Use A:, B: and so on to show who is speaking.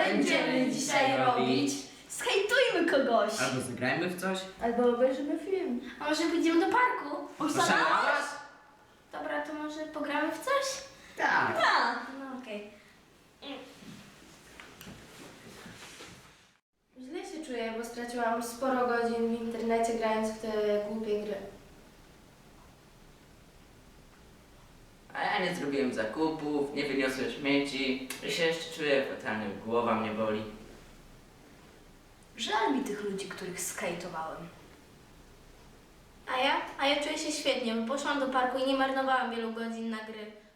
A: będziemy dzisiaj robić? Skejtujmy kogoś!
B: Albo zagrajmy w coś?
A: Albo obejrzymy film.
C: A może pójdziemy do parku?
B: Oszalałaś?
C: Dobra, to może pogramy w coś?
B: Tak.
A: Tak!
C: No okej. Źle się czuję, bo straciłam sporo godzin w internecie grając w te głupie gry.
B: A ja nie zrobiłem zakupów, nie wyniosłem śmieci i się jeszcze czuję fatalnie, głowa mnie boli.
A: Żal mi tych ludzi, których skejtowałem.
C: A ja? A ja czuję się świetnie, bo poszłam do parku i nie marnowałam wielu godzin na gry.